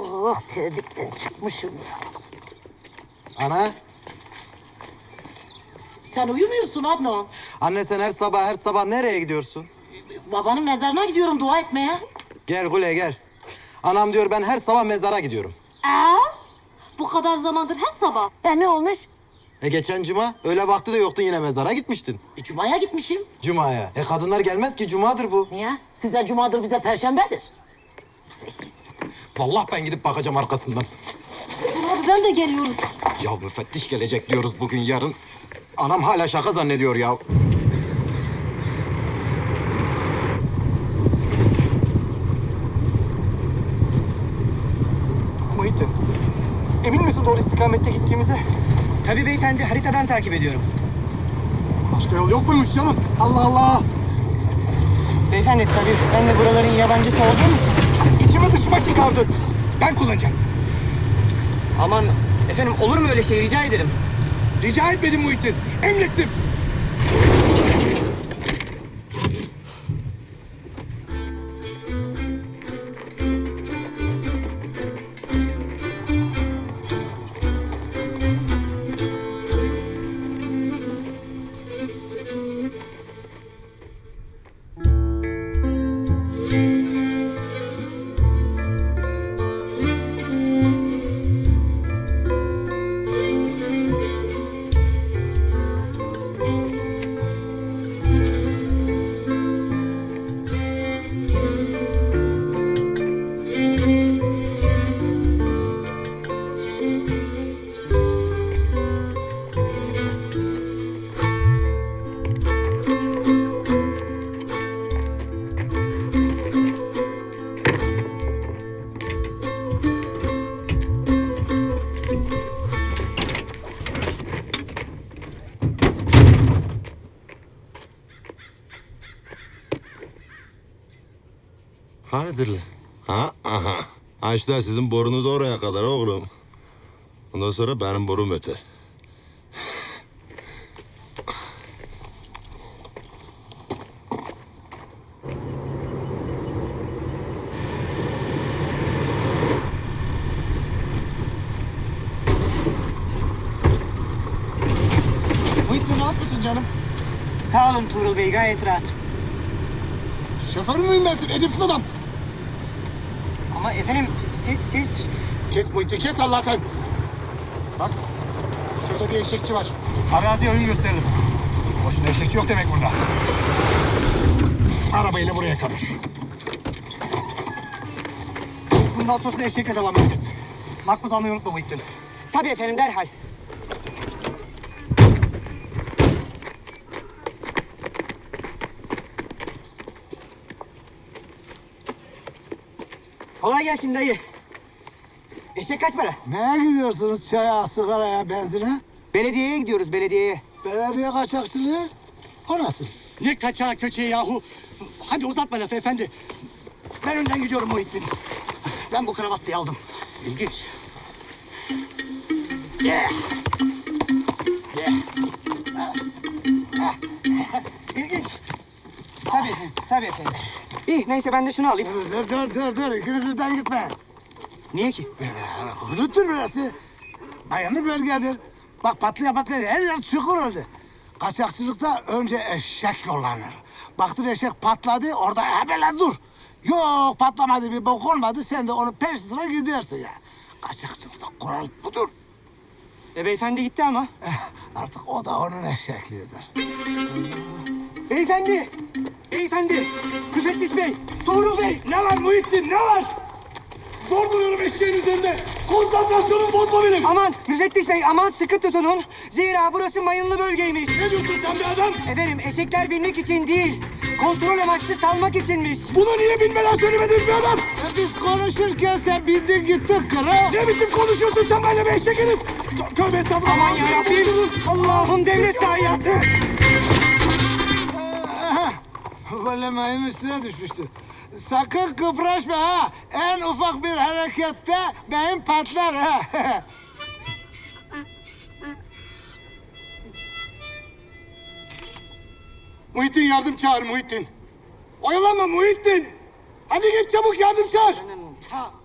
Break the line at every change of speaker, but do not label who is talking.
Oh, terlikten çıkmışım ya.
Ana,
Sen uyumuyorsun Adnan.
anne sen her sabah nereye gidiyorsun?
Babanın mezarına gidiyorum dua etmeye.
Gel Gule gel. Anam diyor ben her sabah mezara gidiyorum.
Bu kadar zamandır her sabah.
Ne olmuş?
Geçen cuma öğle vakti de yoktun yine mezara gitmiştin.
Cuma'ya gitmişim.
Cuma'ya. Kadınlar gelmez ki cumadır bu.
Niye? Size cumadır, bize perşembedir.
Vallahi ben gidip bakacağım arkasından.
Dur abi ben de geliyorum.
Ya müfettiş gelecek diyoruz bugün yarın. Anam hala şaka zannediyor ya.
Muhittin, emin misin doğru istikamette gittiğimize?
Tabii beyefendi, haritadan takip ediyorum.
Başka yol yok muymuş canım? Allah Allah!
Beyefendi tabii ben de buraların yabancısı olduğum için.
İçimi dışıma çıkardın. Ben kullanacağım.
Aman efendim olur mu öyle şey rica ederim.
Rica etmedim Muhittin, emrettim.
Hayırdır lan? Ha? Aha. Ha işte sizin borunuz oraya kadar oğlum. Ondan sonra benim borum öter.
Muhittin rahat mısın canım?
Sağ olun Tuğrul Bey gayet rahat.
Şoför müyüm ben senin, edepsiz adam?
Ama efendim siz...
Kes Muhittin, kes Allah sen! Bak, şurada bir eşekçi var. Araziye ön gösterelim. Boşuna eşekçi yok demek burada. Arabayla buraya kadar. Bundan sonra eşekle devam edeceğiz. Makbuz almayı unutma Muhittin.
Tabii efendim derhal. Kolay gelsin dayı. Eşek kaç para?
Neye gidiyorsunuz? Çaya, sigaraya, benzine?
Belediyeye gidiyoruz belediyeye.
Belediye kaçakçılığı? O nasıl?
Ne kaçağı köçeği yahu. Hadi uzatma lafı efendi. Ben önden gidiyorum Muhittin. Ben bu kravatlıyı aldım. İlginç. Yeah. Yeah. İlginç.
Tabii efendim. İyi neyse ben de şunu alayım.
Dur. İkiniz birden gitme.
Niye ki?
Huduttur burası. Bayanlı bölgedir. Bak patlaya her yer çukur oldu. Kaçakçılıkta önce eşek yollanır. Baktın eşek patladı, orada hemen dur. Yok patlamadı, bir bok olmadı, sen de onun peş sıra gidersin ya. Kaçakçılıkta kural budur.
Beyefendi gitti ama.
Artık o da onun eşekliğidir.
Beyefendi, müfettiş bey, Tuğrul bey.
Ne var Muhittin, ne var? Zor duruyorum eşeğin üzerinde. Konsantrasyonumu bozma benim.
Aman müfettiş bey aman sıkı tutunun. Zira burası mayınlı bölgeymiş.
Ne diyorsun sen be adam?
Efendim eşekler binmek için değil, kontrol amaçlı salmak içinmiş.
Bunu niye bilmeden söylemediniz be adam?
Biz konuşurken sen bindin gittin kral.
Ne biçim konuşuyorsun sen benimle be eşek herif? Tövbe estağfurullah.
Aman yarabbim, Allah'ım devlet zayiatı.
Böyle mayın üstüne düşmüştü. Sakın kıpraşma ha. En ufak bir harekette beyin patlar ha.
Muhittin yardım çağır Muhittin. Oyalanma Muhittin. Hadi git çabuk yardım çağır.